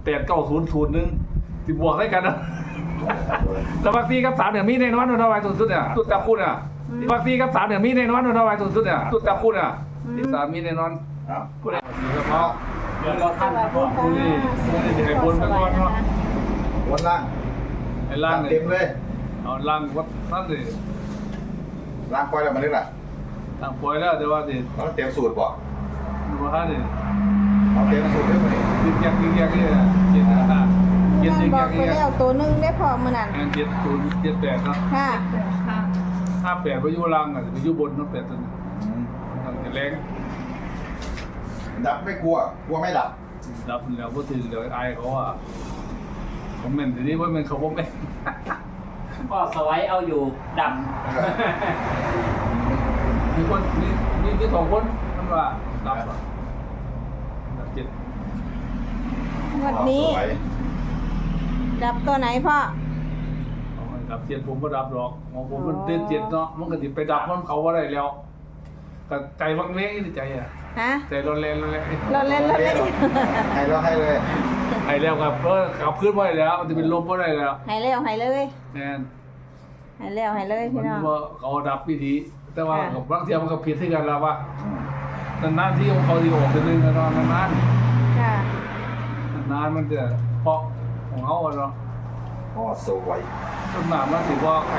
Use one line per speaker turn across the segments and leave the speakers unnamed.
8900 สิบวกได้กันนะแต่บางทีกับ3เนี่ยมีแน่นอนเอาไว้สุดๆเนี่ยสุดจับคู่เนี่ยบางทีกับ3เนี่ยมีแน่นอนเอาไว้สุดๆเนี่ยสุดจับคู่เนี่ยที่3มีแน่นอน
ครับ
ผู้ใดเฉพาะ
เดี๋ยวเราท่าน
ผู้นี้ไอ้บนไปก่อนเนาะ
วนล่าง
ไอ้ล่าง
เต็
เนี่ย
มเลย
เอาล่างวัดนั่นเลย
ล่างปล่อยแล้วมันได้ล่ะ
ทางปล่อยแล้วแต่ว่าสิ
เราเต็มสูตรบ่
ดูว่านี่
เอาเต็มสูตรได้ไหม
ยิงแยกนี่เจ็ดนะเจ็ด
นั่
ยิ
น
ง
บ
แย
อก
ก
ไป
นี่
แล้วตัวหนึงได้พอมื้อนั้น
งาน7078เนาะ
ค่ะ
58ไปอยู่ล่างอ่ะไปอยู่บนเนาะ8ตัวนี้ทางจะแรง
ดับไม่กลัวไม่ดับ
ดับแล้วบ่ถึงเดี๋ยวอายเขาอ่ะคอมเมนต์ทีนี้ว่ามันเขาบ่แม่น
ก็สไลด์เอาอยู่ด
มีคนมี2คนมันว่าดับอ่ะดับ7
งวดนี้
สวย
ดับตัวไหนพ่อ
เอาให้ดับ7ผมบ่ดับหรอกของผมมันเด่น7เนาะมันก็สิไปดับมันเขาบ่ได้แล้วก็ใจวังเวงนี่ใจอ่ะ
ฮะ
ใจร้อนแรง
เราเล่นเราเล่น
ให้เราให้เลย
ไอ้แล้วครับขับขึ้นบ่ได้แล้วมันจะเป็นลมบ่ได้แล้ว
ให้แล้วให้เลย
แม่น
ให้แล้วให้เลย
มั
พี่
น
น้อง
ว่าเขาดับวิธีแต่ว่า
ค่ะ
บางเทียมันก็ผิดที่กันแล้วว่านานๆที่ของเขาสิออกเป็นนึงกันเนาะนาน
ค่ะ
ๆนานมันจะเพาะของเขาอะเนาะ
อ๋อสวย
ต้นหนามมันสิว่าใคร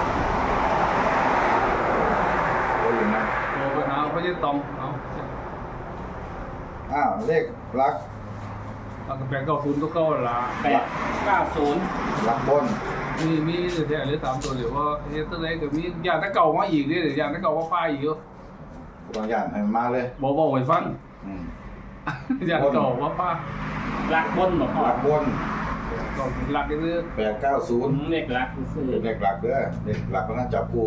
โอ้ยนะ
โทรไปหาพระเจ้าตองเอา
เลขรัก
เอากระแปง90ตัวเก่าละ
ำ890
รักบน
มีแต่เหลือ3ตัวเดี๋ยวว่าเฮ็ดตัวไหนก็มีอย่างตะเก่ามาอีกเด้ออย่างตะเก่ามาป้ายอีกอยู่
บางอย่างให้มันมาเลย
บอกให้ฟัง
อืม
อย่างเก่ามาป้า
รักบนบอกพ่อ
รักบน
ก็หลักก็คือ
890
เลขรักคือ
เลขหลักเด้อเลขหลักก็น่าจับคู่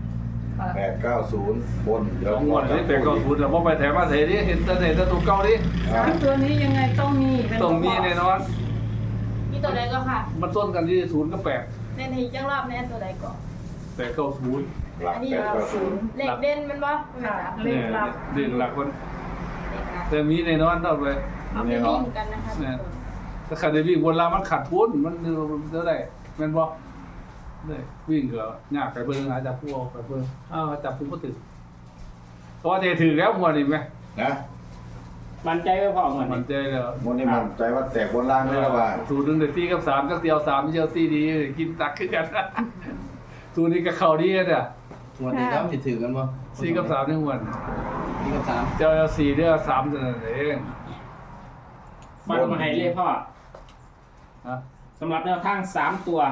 890บนเดี๋ยว
2งวดนี้เป็น90แล้วบ่ไปแถมมาเทดิเห็นแต่ไหนแต่ตัวเก่าดิ
ตัวนี้ยังไงต้องมี
ต้องมีแน่นอน
มีตัวใดก็ค่ะ
มันต้นกันที่0กับ8
เล่นให้จังรอบแน่ตัวใดก็
890
หลัก
อันนี้
890
เลขเด่นมันบ่ค่ะ
เนี่ยเด่นหลักคนแต่มีแน่นอนเท่าเลย
เอาไปวิ่งกันนะคะ
เนี่ยถ้าขัดได้วิ่งบนลามันขาดทุนมันเท่าไหร่แม่นบ่เนี่ยวิ่งก็ยากไปเบิ่งหาจับผู้เอาไปเบิ่งจับผู้บ่ถึงเพราะว่าจะถึงแล้วหมดนี่แม่
นะ
มันใจไว้พ่อเหมือน
มันใจแล้ว
วันนี้มันใจว่าแตกบนล่างเลยแล้วว่า
สูตร1ได้4กับ3จักเดียว3เดียว4ดีกินตักคือกันสูตรนี้ก็เข้าดีกันอ่ะ
วันนี้ครับจะถือกันบ่
4กับ3นี่ม่วน
4กับ3
เจ้า4เด้อ3เท่านั้นเอง
ฟันมาให้เลขพ่อ
ฮะ
สำหรับแนวทาง3ตัว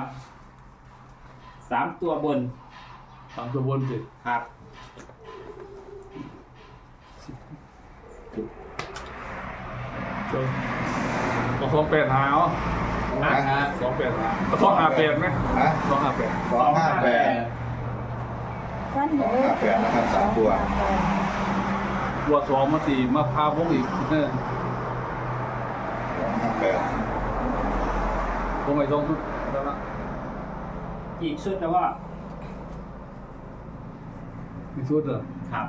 3ตัวบน
3ตัวบนสิ
ครับ
เจ้าก็28หาเอา28หา258มั้ย
ฮะ
258
258
ฟันให้เลย
258นะครับ3ตัว
บวก2มา4มาพาวงอีกเออ
258
วงไอ้2ทุกแล้วละ
อีกชุดนะว่า
มีชุดเหรอ
ครับ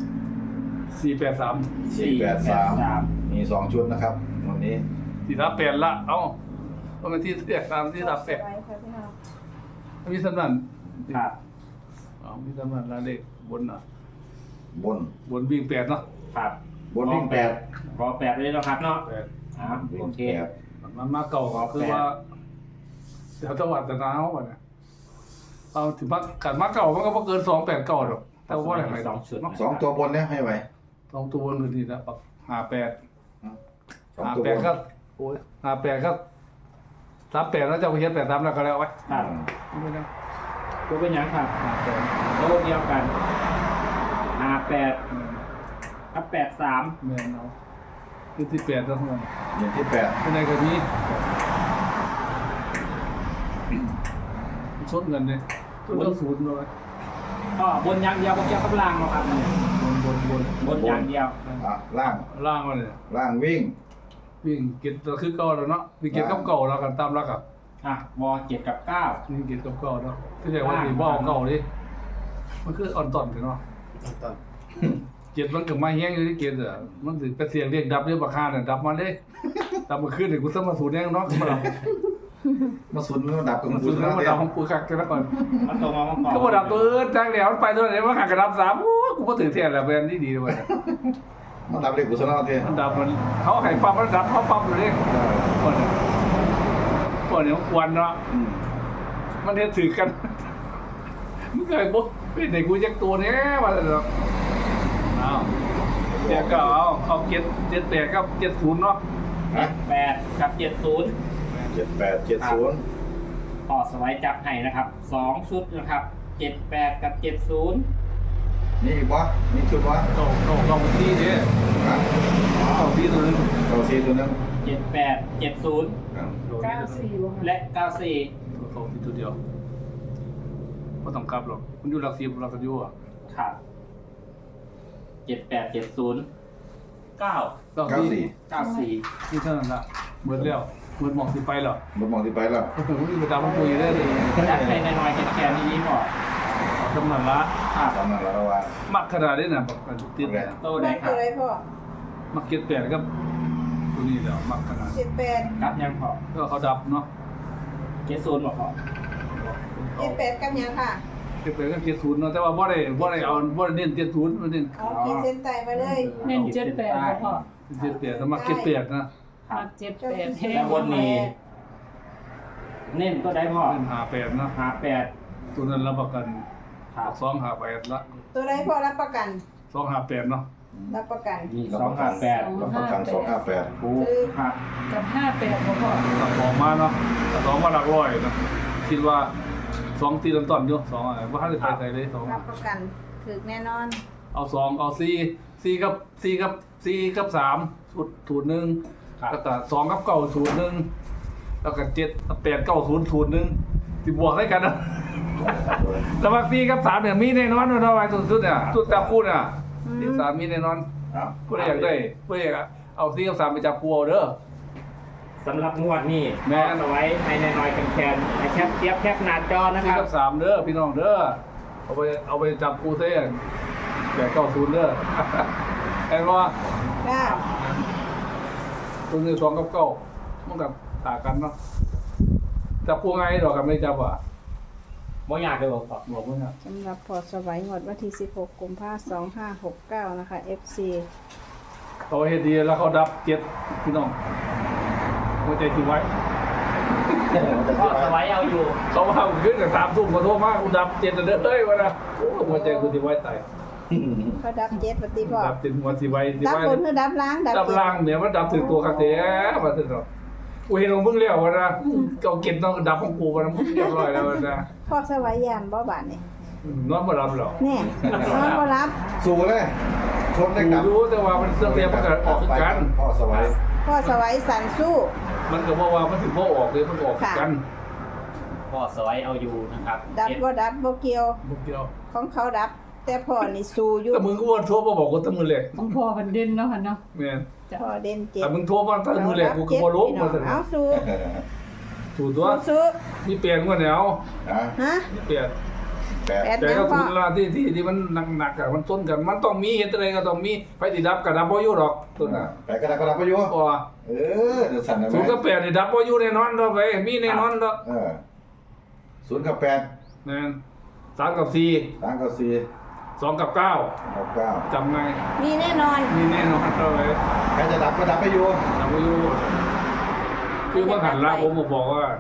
483
483มี2ชุดนะครับวันนี้
438ละเอ้าว่ามันที่เรียกตามที่38
ไว้ค่ะพี่น้อง
มีสำนัน
ครับ
มีสำนันละเลขบนน่ะ
บน
บนวิ่ง8เนาะ
ครับ
บนวิ่ง
ขอ8เลยนะครับเนาะ
8
ครับ
8วิ่
โอง เค
มันมาเก่าก็คือว่าแถวจังหวัดตะนาวน่ะเอาถึงกันมาเก่ามันก็บ่เกิน289หรอกแต่ว่าอะไร
สองชุด
เนาะ
2ตัวบนเนี่ยให้ไว้
2ตัวบนคือนี่นะ58
2ตัวบน
58ก็โอ้ย58ก็38แล้วจะไปเฮ็ด83แล้วก็แล้วไว้
ครับ
ไม่ได้
ตัวเป็นหยังครับโต๊ะเดียวกัน58กับ83
แม่นเอาคือ18แล้วมัน
อย่างที่
เป็นไงก็มีชดเงินเนี่ยชดเงินศูนย์เลย
ก็บนอย่างเดียวก็เกี่ยวกับล่างเนาะครับ
บน
อย่างเดียว
8ล่าง
ล่างมาเลย
ล่างวิ่ง
วิ่งเก็บตัวคือเก่าแล้วเนาะวิ่งเก็บกับเก่าแล้วกันตามรักอ่ะ
ว7กับ9
วิ่งเก็บกับเก่าเนาะที่เรียกว่าสีบ่อเก่าดิมันคืออ่อนต่อนกันเนาะ
ต้น
เก็บมันกับไม้แห้งอยู่ที่เก็บอ่ะมันถึงไปเสียงเรียกดับเรียกบักฮาน่ะดับมาเด้ดับมาขึ้นเดี๋ยวกูต้องมาสูดแน่น้องมาดับ
มาสุนมาดับกับ
มา
มา
สู
สุ
ด
น
แล้ว
แล้ว
มา
เตี้
ดั
ย
บของกูคักกันแล้วก่อน
มันตรงมาประกอบ
ก็มาดับตัวจ้างแล้วไปตัวไหนว่าหักกระดับ3โอ้กูก็ถือเทียนแล้วแบรนด์ดีเลย
มาดับเลยกุศลเตี้ย
มันดับมันเขาไข่ปั๊มมันดับเขาปั๊มอยู่นี่ก่อนเนี่ยกวนเนาะมันเฮ็ดถือกันมึงเคยบอกเป็นไหนกูยักตัวเนี้ยมาเลยเนาะเอาเดี๋ยวก็เอา78กับ70เนาะ
8กับ70
7870
ต่อสไลด์จับให้นะครับ2ชุดนะครับ78กับ70
นี่อีกวะนี่ชุดวะ
ต้องที่ดิต้องที่ตัวนึง
เราซีตัวนึง
78 70
94บ่
และ 94
ต้องที่ตัวเดียวไม่ต้องกลับหรอกมันอยู่หลักสิบหลักสิบอยู่อ่ะ
ครับ78 70 9
ต้องที่
94
ที่เท่านั้นละเหมือนแล้วเหมือนมองที่ไปหรอ
บ่มองที่ไปแล้ว
ผมนี่ไปตามมันคุยได้เลย
จัดให้น้อยๆแค่นี้ก่อน
จำนวนละ
ครับ
ตอนนั้นเราว่า
มักขนาดนี้นะแบบมันติดเนี่ย
โตได้ครับ
ตัวใดพ่อ
มักเก็ตแปดกับตัวนี้แล้วมักขนาด
78
ครับยังพอ
ก็เขาดับเนาะ
70บอกพอ
78กับหยังค่ะ
เก็ตแปดกับ70เนาะแต่ว่าบ่ได้เน้น70มันเน้น
อ๋อขีดเส้นใต้มาเลย
เน้น78บ่พ่อ
78แต่มักเก็ตแปดนะ
ครับ
มัก78แห้
แล้
ง
ววันนี้ เน้นก็ได้พอ
เน้น58เนาะ
58
ตัวนั้นรับประกัน
ครับ
258ละ
ตัวใดพ่อรับประกัน
258เนาะ
รับประกัน
นี่ 258
รับประกัน258
ถูกครับ
กับ58บ่พ่อ
ตัดสองมาเนาะตัดสองมาหลักร้อยเนาะคิดว่า2ตีต้นๆอยู่2อะไรบ่ทันได้ไปไสเลย2
รับประกันถึกแน่นอน
เอา2เอา4กับ3สูตรหนึง
ครับ
แล้วก็2กับ9สูตรหนึงแล้วก็7 8 9สูตรหนึงสิบวกได้กันนะ แต่ว่า4กับ3เนี่ยมีแน่นอนว่าเท่าไหร่สุดๆเนี่ยสุดจับคู่เนี่ยที่3มีแน่นอน
ครับ
ผู้ใดอยากได้ผู้ใดอยากเอา4กับ3ไปจับคู่เอาเด้อ
สำหรับงวดนี้
แม่
เอาไว้ให้น้อยๆแคนๆให้แคปหน้าจอนะค
4
รับ
กับ3เด้อพี่น้องเด้อเอาไปจับคู่เส้น8 9 0เด้อ เห็นบ่
ค่ะ
ตัวนี้2กับ9มันก็ต่างกันเนาะจับคู่ไงดอกกันไม่จับอ่ะ
บ่อยากเลยบอก
บอกว่าเนี่ย
สำหรับพอสวัยงวดวันที่16กุมภาพันธ์2569นะคะ FC
เขาเฮ็ดดีแล้วเขาดับ7พี่น้องหัวใจที่ไว้
ก็สไลด์เอาอยู่
เขามาขึ้นกับ3 ทุ่มขอโทษมากกูดับ7เด้อเอ้ยวะนะโอ้หัวใจกูที่ไว้ตาย
เขาดับ7ปฏิพ่อ
ดับ7หัวสิไว้สิ
ดับ
ไว้
บนคือดับล้างดับ
ดับ
เจ็ด
ล่างเนี่ยมันดับถึงตัวคาเต้มาถึงเนาะกูเห็นของมึงแล้ววะนะเอาเก็บน้องดับของกูวะนะมึงเรียบร้อยแล้ววะนะ
พอสวัยยานบ่บาดนี่
นอนบ่รับหรอก
แน่นอนบ่รับ
สู้เลยชนได้กลับ
รู้แต่ว่ามันเสื่อมเรียบมันก็ออกคือกัน
พ่อสวัย
พอสวัยสันสู้
มันก็บอกว่ามันถึงบ่ออกเลยมันก็ออกคือกัน
ก็สไลด์เอาอยู่นะครับ
ดับบ่ดับบ่เกี่ยว
บุกเดียว
ของเขาดับ แต่พ่อนี่สู้อยู่
แต่มึงก็ว่าโทรมาบอกกูตั้งมือแรก
ของพ่อมันเด่นเนาะค่ะเนาะ
แม่น
พ่อเด่นเจ็ด
แต่มึงโทรมาตั้งมือแรกกูก็บ่รู้มาซั่น
เอาสู้
ถูกตัว
สู้
มีเปลี่ยนกว่าแนว
นะ
ฮะ
มีเปลี่ยน
แปด
แปด
แต่
แน
ก็
ว
คุ
พ่อ
ณลาที่มันหนักๆอะมันต้นกัน มันต้องมีเฮ็ดอะไรก็ต้องมีไฟสิดับก็ดับบ่อยู่หรอกต้นน่ะ
แปดกระดาษกระดาษประโยชน์
เพราะว่า
เออเดี๋ยวสั่นได้ไหม
0กับ8นี่ดับบ่อยู่แน่นอนดอกเว้ยมีแน่นอนดอก
0กับ8
แม่น3กับ4
3กับ4
2กับ9
กับ9
จำไง
มีแน่นอน
มีแน่นอนดอกเว้ย
ใครจะดับก็ดับไปอยู่
ดับบ่อยู่คือว่าหันละผมก็บอกว่า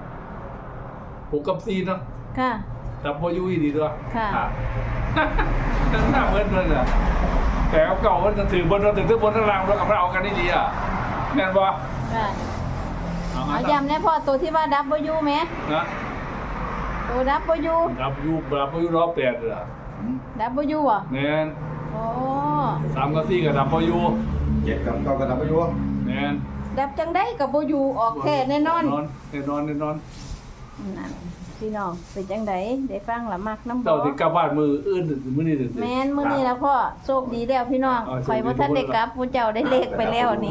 6กับ4เนาะ
ค่ะ
ดับบ่อยู่อีดีด้วย
ค่ะ
ครับ
ทั้งหน้าเหมือนน่ะแต่เอาเก่ามันจะถือบนเราถือทั้งบนทั้งล่างเรากับเราเอากันได้ดีอ่ะแม่นบ่
ค่ะ
เอามา
เอาย้ำแน่พ่อตัวที่ว่าดับบ่อยู่แหม
นะ
ตัวดับบ่อยู่
ดับอยู่รอบ8เหรอ
ดับบ่อยู่อ่ะ
แม่น
โอ้
3กับ4ก็ดับบ่อยู่
7กับ9ก็ดับไปอยู่
แม่น
ดับจังได้กับบ่อยู่ออกแท้แน่นอน
แน่นอน
นั่นพี่น้องเป็นจังไดได้ฟังละมักน้ำบ่
เจ้าสิกลับบ้านมืออื่นมื้อนี้สิ
แม่นมื้อนี้แล้วพ่อโชคดีแล้วพี่น้อง
อ๋อโชคดี
ข่อยบ่ทันได้กลับผู้เจ้าได้เลขไปแล้วนี่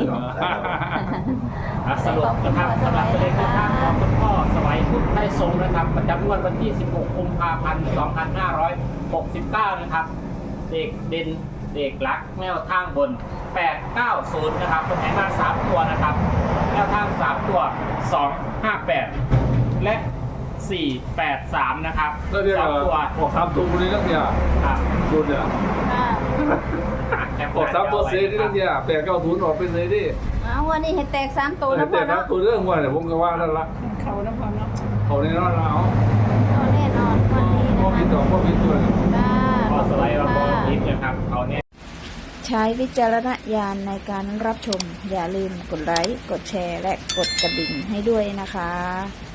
สรุปนะครับสำหรับตัวเลขในทางของคุณพ่อสวัยพุทธไทยทรงนะครับประจำงวดวันที่ 16 กุมภาพันธ์ 2569 นะครับเด็กเด่นเด็กลักแนวทางบน 890 นะครับคนไหนมา3ตัวนะครับ แนวทาง3ตัว 258 และ 483 นะครับ
แล้วเดี๋ยว
สองตัว
ออก3ตัวนี้แล้วเนี่ย
ครับ
ดูเนี่ย
ค่ะ
ออก3ตัวเสียนี่แล้วเนี่ย890ออกเป็นเลยดิ
เอาวันนี้ให้แตก3ตัวนะ
แต่
พ่อ
ครั
เนาะ
บตัวเรื่องว่าเนี่ยผมก็ว่านั่นละ
เขานะพ่อเนาะ
เขาในนั้นเรา
เอาแน่นอนวันนี้
พ่อ
นะ
มี
คะ
ต่อพ่อมีตัว
ค่ะ
พอสไลด์มาบอล
ค่ะ
นิดนะครับเขาเนี่ย
ใช้วิจารณญาณในการรับชม อย่าลืมกดไลค์ กดแชร์ และกดกระดิ่งให้ด้วยนะคะ